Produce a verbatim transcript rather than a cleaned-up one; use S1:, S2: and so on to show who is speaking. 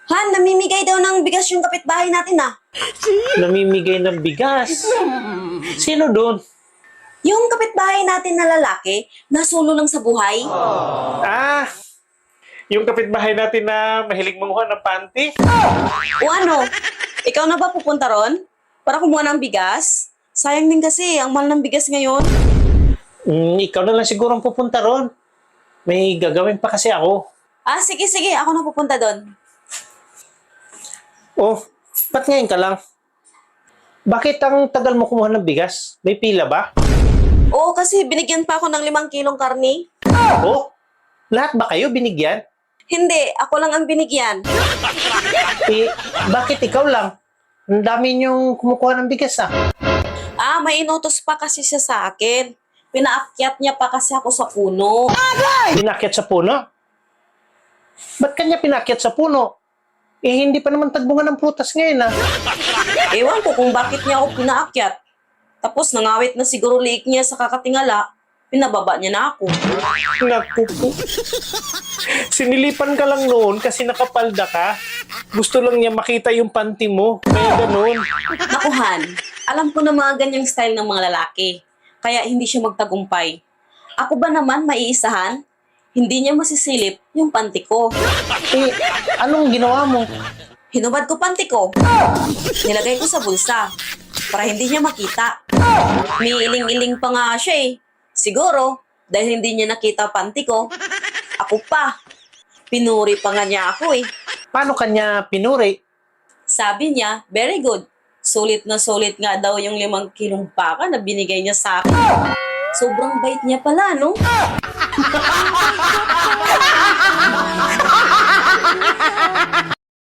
S1: Han, namimigay daw ng bigas yung kapitbahay natin ah.
S2: Namimigay ng bigas. Sino doon?
S1: Yung kapitbahay natin na lalaki, nasulo lang sa buhay.
S2: Ah, yung kapitbahay natin na mahilig manguha ng panty.
S1: O ano, ikaw na ba pupunta ron? Para kumuha ng bigas? Sayang din kasi, ang mahal ng bigas ngayon.
S2: Mm, ikaw na lang siguro ang pupunta ron. May gagawin pa kasi ako.
S1: Ah, sige, sige, ako na pupunta doon.
S2: Oh, ba't ngayon ka lang? Bakit ang tagal mo kumuha ng bigas? May pila ba?
S1: Oo, kasi binigyan pa ako ng limang kilong karni.
S2: Oh, lahat ba kayo binigyan?
S1: Hindi, ako lang ang binigyan.
S2: Eh, bakit ikaw lang? Ang dami niyong kumukuha ng bigas ah.
S1: Ah, may inutos pa kasi siya sa akin. Pinaakyat niya pa kasi ako sa puno.
S2: Pinakyat sa puno? Ba't kanya pinakyat sa puno? Eh, hindi pa naman tagbungan ng prutas ngayon ah.
S1: Ewan ko kung bakit niya ako pinaakyat. Tapos nangawit na siguro liik niya sa kakatingala, pinababa niya na ako.
S2: Naku po. Sinilipan ka lang noon kasi nakapalda ka. Gusto lang niya makita yung panty mo. Kaya ganun.
S1: Nakuhan, alam ko na mga ganyang style ng mga lalaki. Kaya hindi siya magtagumpay. Ako ba naman maiisahan? Hindi niya masisilip yung panty ko.
S2: Eh, anong ginawa mo?
S1: Hinubad ko panty ko. Nilagay ko sa bulsa para hindi niya makita. May iling-iling pa nga siya eh. Siguro, dahil hindi niya nakita panty ko, ako pa. Pinuri pa nga niya ako eh.
S2: Paano kanya pinuri?
S1: Sabi niya, very good. Sulit na sulit nga daw yung limang kilong baka na binigay niya sa akin. Sobrang bait niya pala, no?